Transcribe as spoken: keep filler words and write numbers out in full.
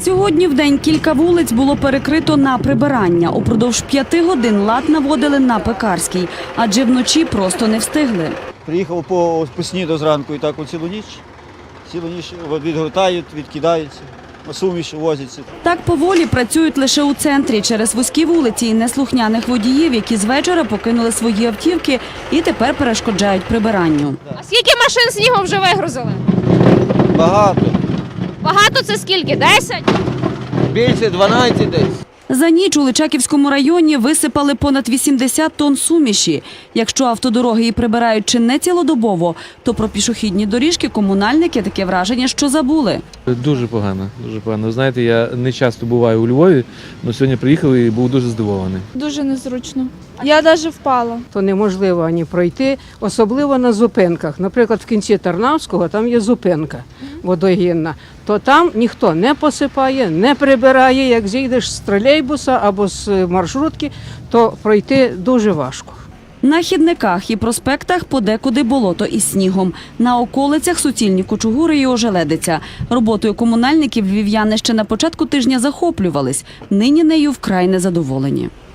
Сьогодні в день кілька вулиць було перекрито на прибирання. Упродовж п'яти годин лад наводили на Пекарській, адже вночі просто не встигли. Приїхав по, по сніду зранку і так о цілу ніч. Цілу ніч відгортають, відкидаються, суміш возяться. Так поволі працюють лише у центрі через вузькі вулиці і неслухняних водіїв, які з вечора покинули свої автівки і тепер перешкоджають прибиранню. А скільки машин снігу вже вигрузили? Багато. Багато це скільки? Десять? Більше дванадцять десь. За ніч у Личаківському районі висипали понад вісімдесят тонн суміші. Якщо автодороги і прибирають чи не цілодобово, то про пішохідні доріжки комунальники таке враження, що забули. Дуже погано, дуже погано. Ви знаєте, я не часто буваю у Львові, але сьогодні приїхав і був дуже здивований. Дуже незручно. Я навіть впала. То неможливо ані пройти, особливо на зупинках. Наприклад, в кінці Тарнавського там є зупинка водогінна. То там ніхто не посипає, не прибирає. Як зійдеш з тролейбуса або з маршрутки, то пройти дуже важко. На хідниках і проспектах подекуди болото із снігом. На околицях суцільні кучугури і ожеледиця. Роботою комунальників львів'яни ще на початку тижня захоплювались. Нині нею вкрай незадоволені.